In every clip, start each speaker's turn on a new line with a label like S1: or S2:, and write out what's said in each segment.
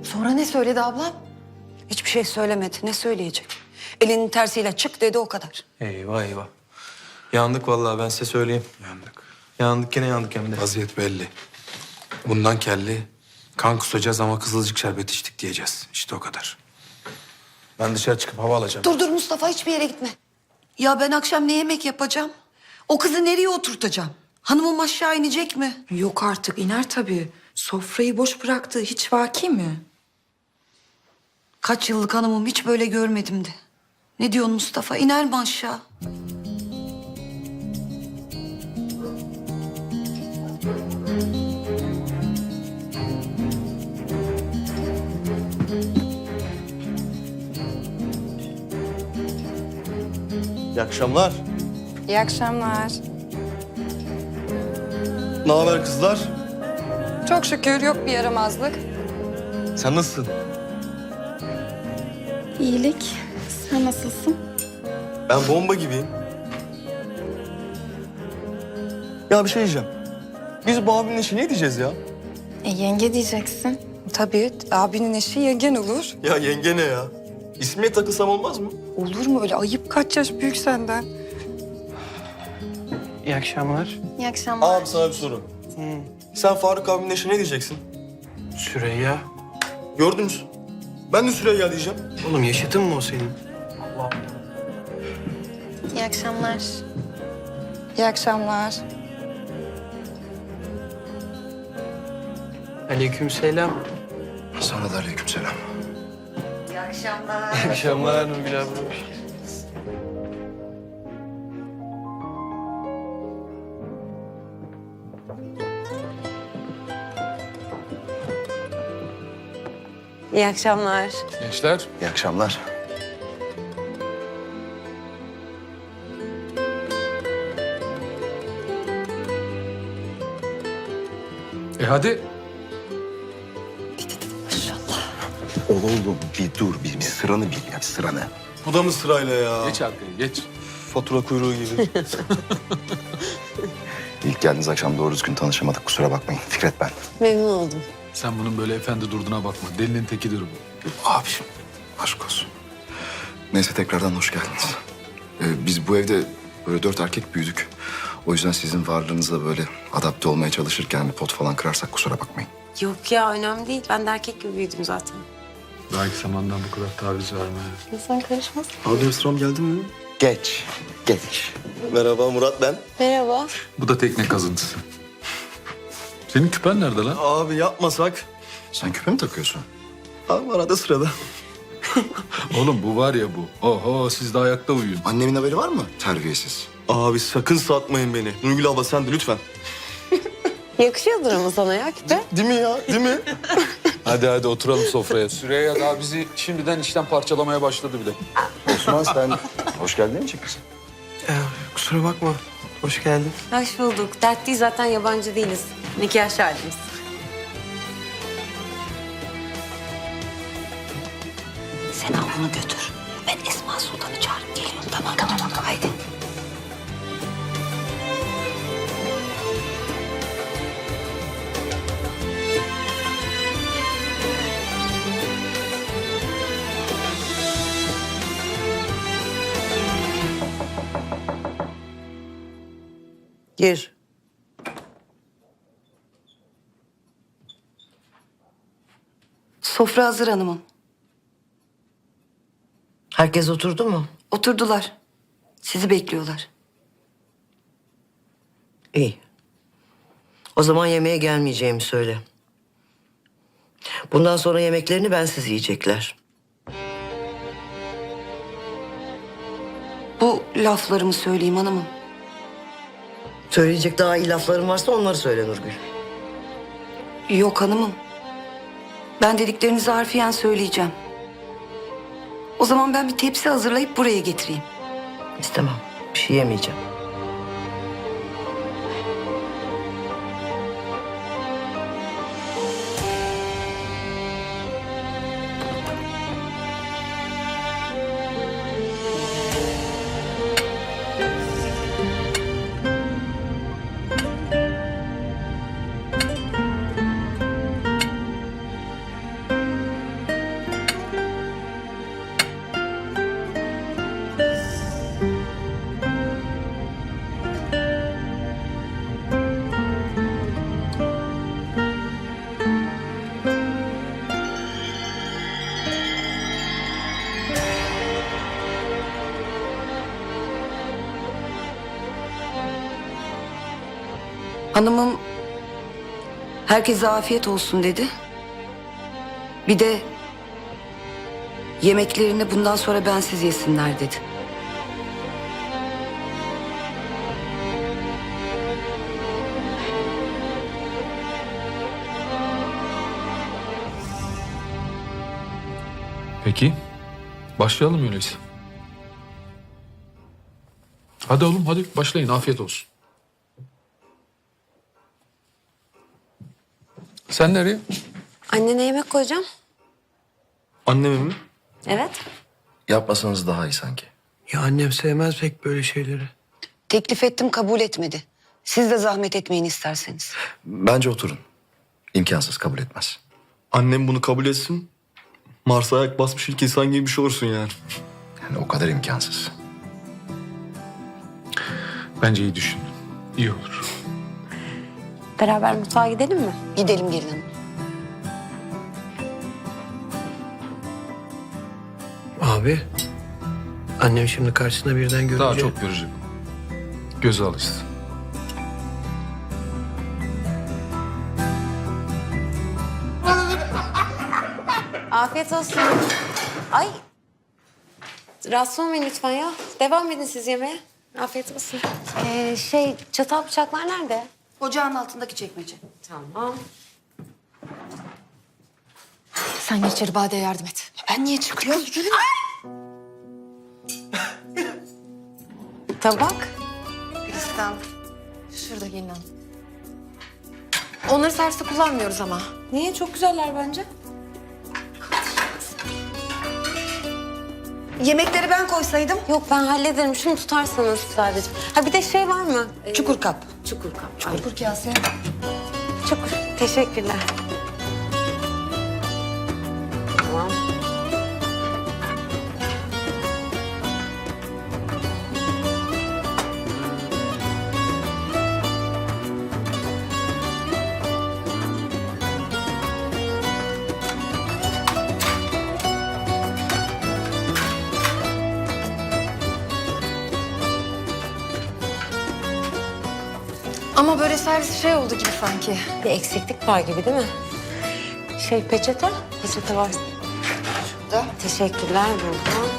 S1: Sonra ne söyledi ablam?
S2: Hiçbir şey söylemedi. Ne söyleyecek? Elinin tersiyle çık dedi, o kadar.
S3: Eyvah eyvah. Yandık vallahi, ben size söyleyeyim.
S4: Yandık.
S3: Yandık, gene yandık hem de.
S4: Vaziyet belli. Bundan kelli kan kusacağız ama kızılcık şerbeti içtik diyeceğiz. İşte o kadar. Ben dışarı çıkıp hava alacağım.
S2: Dur Mustafa, hiçbir yere gitme. Ya ben akşam ne yemek yapacağım? O kızı nereye oturtacağım? Hanımım aşağı inecek mi?
S1: Yok artık, iner tabii. Sofrayı boş bıraktı. Hiç vaki mi?
S2: Kaç yıllık hanımım, hiç böyle görmedim de. Ne diyorsun Mustafa? İner mi aşağı?
S5: İyi akşamlar.
S6: İyi akşamlar.
S5: Ne haber kızlar?
S6: Çok şükür yok bir yaramazlık.
S5: Sen nasılsın?
S6: İyilik. Sen nasılsın?
S5: Ben bomba gibiyim. Ya bir şey diyeceğim. Biz bu abinin eşi ne diyeceğiz ya?
S6: Yenge diyeceksin.
S1: Tabii, abinin eşi yengen olur.
S5: Ya yenge ne ya? İsmiye takılsam olmaz mı?
S1: Olur mu öyle? Ayıp, kaç yaş büyük senden.
S3: İyi akşamlar.
S6: İyi akşamlar.
S5: Abi sana bir soru. Sen Faruk abinin eşi ne diyeceksin?
S3: Süreyya.
S5: Gördünüz. Ben de Süreyya diyeceğim.
S3: Oğlum yaşıtın mı o senin?
S6: İyi akşamlar.
S1: İyi akşamlar.
S3: Aleykümselam.
S4: Sana da aleykümselam.
S3: İyi akşamlar Nurgül abla.
S7: İyi akşamlar.
S4: Gençler. İyi akşamlar.
S8: Hadi.
S4: Oğlum bir dur, bir sıranı bil ya, sıranı.
S5: Bu da mı sırayla ya?
S8: Geç arkaya geç.
S5: Fatura kuyruğu gibi.
S4: İlk geldiğiniz akşam doğru düzgün tanışamadık, kusura bakmayın. Fikret ben.
S7: Memnun oldum.
S8: Sen bunun böyle efendi durduğuna bakma. Delinin tekidir bu.
S4: Abiciğim, aşk olsun. Neyse tekrardan hoş geldiniz. Biz bu evde böyle 4 erkek büyüdük. O yüzden sizin varlığınızla böyle adapte olmaya çalışırken bir pot falan kırarsak kusura bakmayın.
S7: Yok ya, önemli değil. Ben de erkek gibi büyüdüm zaten.
S8: Belki zamandan bu kadar taviz verme.
S7: İnsan karışmaz.
S5: Abi sıram geldi mi?
S4: Geç, geç.
S5: Merhaba Murat ben.
S7: Merhaba.
S8: Bu da tekne kazıntısı. Senin küpen nerede lan?
S5: Abi yapmasak.
S4: Sen küpe mi takıyorsun?
S5: Abi arada sırada.
S8: Oğlum bu var ya bu. Oho siz de ayakta uyuyun.
S4: Annemin haberi var mı? Terbiyesiz.
S5: Abi sakın satmayın beni. Nurgül abla sen de lütfen.
S7: Yakışıyordur ama sana ya küpe.
S5: Değil mi ya? Değil mi?
S8: Hadi oturalım sofraya. Süreyya daha bizi şimdiden işten parçalamaya başladı bile.
S4: Osman sen hoş geldin demeyecek misin?
S3: Kusura bakma. Hoş geldin.
S7: Hoş bulduk. Dert değil, zaten yabancı değiliz. Nikah şahidimiz.
S2: Sen al bunu götür. Ben Esma Sultan'ı çağırıp geliyorum. Tamam. Haydi.
S9: Gir.
S2: Sofra hazır hanımım.
S9: Herkes oturdu mu?
S2: Oturdular. Sizi bekliyorlar.
S9: İyi. O zaman yemeğe gelmeyeceğimi söyle. Bundan sonra yemeklerini bensiz yiyecekler.
S2: Bu laflarımı söyleyeyim hanımım.
S9: Söyleyecek daha iyi lafların varsa onları söyle Nurgül.
S2: Yok hanımım. Ben dediklerinizi harfiyen söyleyeceğim. O zaman ben bir tepsi hazırlayıp buraya getireyim.
S9: İstemem. Bir şey yemeyeceğim.
S2: Hanımım herkese afiyet olsun dedi. Bir de yemeklerini bundan sonra bensiz yesinler dedi.
S8: Peki. Başlayalım öyleyse. Hadi oğlum hadi başlayın. Afiyet olsun. Sen nereye?
S7: Annene yemek koyacağım.
S5: Anneme mi?
S7: Evet.
S4: Yapmasanız daha iyi sanki.
S9: Ya annem sevmez pek böyle şeyleri.
S2: Teklif ettim, kabul etmedi. Siz de zahmet etmeyin isterseniz.
S4: Bence oturun. İmkansız, kabul etmez.
S5: Annem bunu kabul etsin. Mars'a ayak basmış ilk insan gibi bir şey olursun yani.
S4: Yani o kadar imkansız.
S8: Bence iyi düşündün. İyi olur.
S7: Beraber mutfağa gidelim mi?
S2: Gidelim gelin hanım.
S9: Abi. Annem şimdi karşısına birden görünce...
S8: Daha çok görecek. Göze alışsın.
S7: Afiyet olsun. Ay. Rahatsız olmayın lütfen ya. Devam edin siz yemeğe. Afiyet olsun. Çatal bıçaklar nerede?
S2: Ocağın altındaki çekmece.
S7: Tamam.
S6: Sen geç içeri Bade'ye yardım et.
S2: Ben niye çıkıyorum?
S7: Tabak.
S6: Gülistan. Şurada gelin hanım. Onları serviste kullanmıyoruz ama.
S7: Niye? Çok güzeller bence.
S2: Yemekleri ben koysaydım.
S7: Yok ben hallederim. Şunu tutarsanız sadece. Ha bir de şey var mı?
S2: Çukur kap.
S7: Çukur kap. Ay,
S6: Çukur kase.
S7: çukur. Teşekkürler. Tamam.
S6: Ama böyle servis şey oldu gibi sanki.
S7: Bir eksiklik var gibi değil mi? Peçete? Peçete var.
S2: Da.
S7: Teşekkürler burada.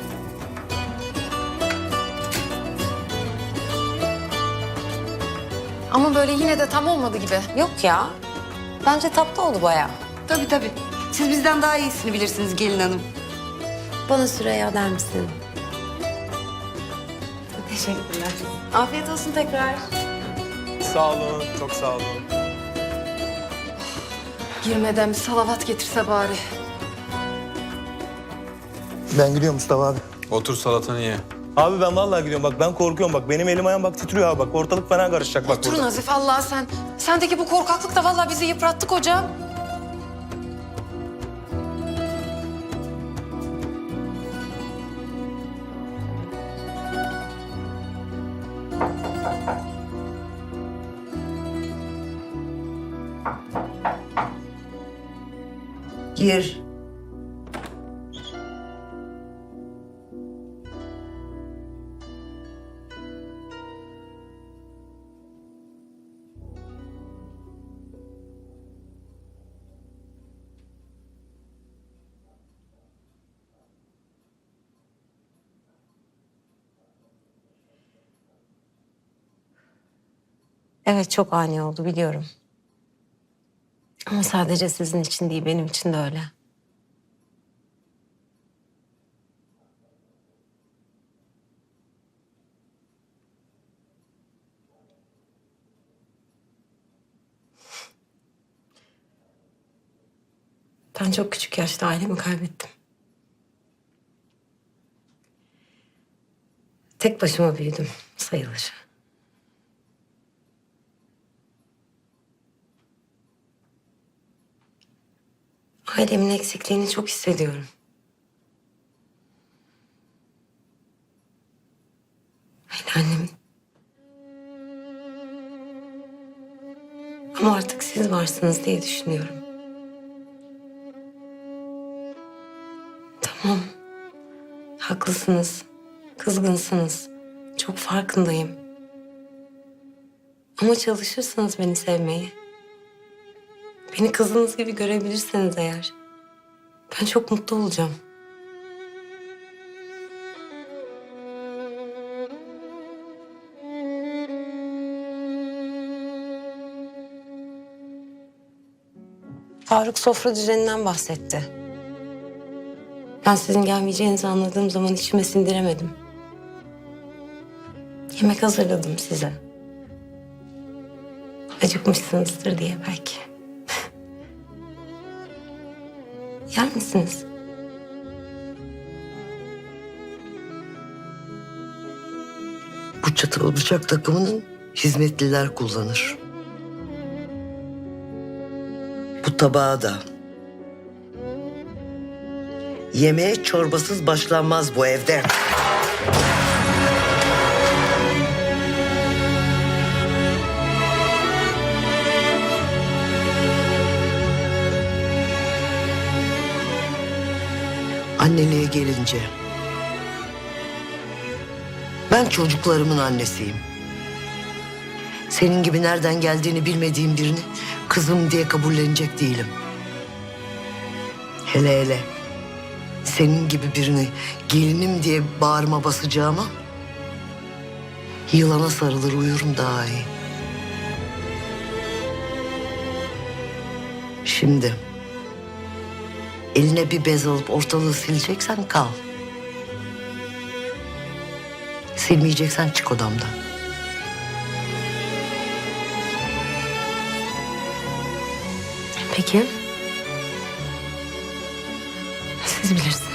S6: Ama böyle yine de tam olmadı gibi.
S7: Yok ya. Bence tatlı oldu bayağı.
S2: Tabii tabii. Siz bizden daha iyisini bilirsiniz gelin hanım.
S7: Bana Süreyya der misin? Teşekkürler. Afiyet olsun tekrar.
S5: Sağ olun, çok sağ olun.
S6: Girmeden bir salavat getirse bari.
S5: Ben gidiyorum Mustafa abi.
S3: Otur salatanı ye.
S5: Abi ben vallahi gidiyorum. Bak ben korkuyorum. Bak benim elim ayağım bak titriyor abi. Bak ortalık fena karışacak bak
S6: Dur
S5: burada.
S6: Nazif Allah sen. Sendeki bu korkaklık da vallahi bizi yıprattı kocam.
S2: Gir.
S7: Evet çok ani oldu biliyorum. Ama sadece sizin için değil benim için de öyle. Ben çok küçük yaşta ailemi kaybettim. Tek başıma büyüdüm sayılır. Ailemin eksikliğini çok hissediyorum. Hele annem. Ama artık siz varsınız diye düşünüyorum. Tamam. Haklısınız. Kızgınsınız. Çok farkındayım. Ama çalışırsanız beni sevmeyi, beni kızınız gibi görebilirseniz eğer, ben çok mutlu olacağım. Faruk sofra düzeninden bahsetti. Ben sizin gelmeyeceğinizi anladığım zaman içime sindiremedim. Yemek hazırladım size. Acıkmışsınızdır diye belki. Yer misiniz?
S9: Bu çatal bıçak takımının hizmetliler kullanır. Bu tabağı da. Yemeğe çorbasız başlanmaz bu evde. Anneliğe gelince, ben çocuklarımın annesiyim. Senin gibi nereden geldiğini bilmediğim birini kızım diye kabullenecek değilim. Hele hele senin gibi birini gelinim diye bağrıma basacağıma yılana sarılır uyurum daha iyi. Şimdi eline bir bez alıp ortalığı sileceksen kal. Silmeyeceksen çık odamdan.
S7: Peki. Siz bilirsiniz.